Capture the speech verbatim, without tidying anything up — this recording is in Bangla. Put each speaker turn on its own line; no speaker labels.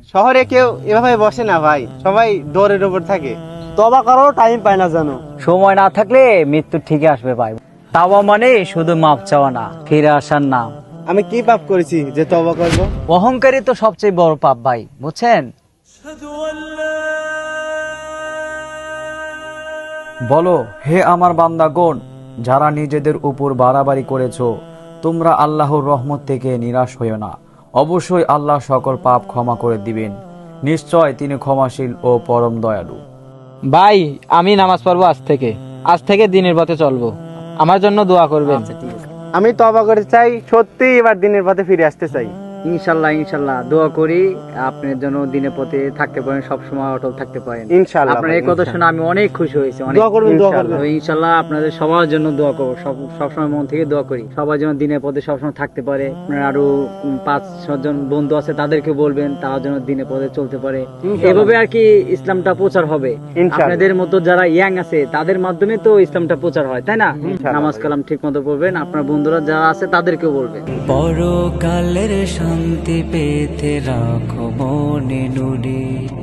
শহরে কেউ এভাবে বসে না ভাই, সবাই দৌড়ের উপর থাকে।
তবা কারো টাইম পায় না জানো।
সময় না থাকলে মৃত্যু ঠিকই আসবে ভাই। তাওবা মানে শুধু মাপ চাওয়া না, ফিরে আসার নাম।
আমি কি পাপ করেছি যে তওবা করব?
অহংকারী তো সবচেয়ে বড় পাপ ভাই, বুঝছেন?
বলো, হে আমার বান্দাগণ, যারা নিজেদের উপর বাড়াবাড়ি করেছো, তোমরা আল্লাহর রহমত থেকে নিরাশ হইও না। অবশ্যই আল্লাহ সকল পাপ ক্ষমা করে দিবেন। নিশ্চয় তিনি ক্ষমাশীল ও পরম দয়ালু।
ভাই আমি নামাজ পড়বো আজ থেকে, আজ থেকে দিনের পথে চলবো। আমার জন্য দোয়া করবেন।
আচ্ছা ঠিক আছে,
আমি তওবা করতে চাই, সত্যি এবার দিনের পথে ফিরে আসতে চাই।
ইনশাল্লাহ ইনশাল্লাহ দোয়া করি আপনার জন্য দিনের পথে থাকতে পারেন, সবসময় অটল থাকতে পারেন।
ইনশাআল্লাহ
আপনার
ভাই,
এই কথা শুনে
ইনশাআল্লাহ।
আমি অনেক খুশি হয়েছি। অনেক
দোয়া করবেন, দোয়া
ইনশাআল্লাহ।
করবেন।
ইনশাল্লাহ আপনাদের সবার জন্য দোয়া করবো, সব সবসময় মন থেকে দোয়া করি সবার জন্য দিনের পথে সবসময় থাকতে পারে। আপনার আরো উম, পাঁচ ছজন বন্ধু আছে, তাদেরকে বলবেন তারা যেন দিনের পথে চলতে পারে। এভাবে আর কি ইসলামটা প্রচার হবে।
ইনশাআল্লাহ।
আপনাদের মতো যারা ইয়াং আছে তাদের মাধ্যমে তো ইসলামটা প্রচার হয়, তাই না?
ইনশাআল্লাহ
নামাজ
ভাই।
কালাম ঠিক মতো পড়বেন, আপনার বন্ধুরা যারা আছে তাদেরকেও বলবেন।
পরকালের শান্তি পেতে রাখো মনে নুরে।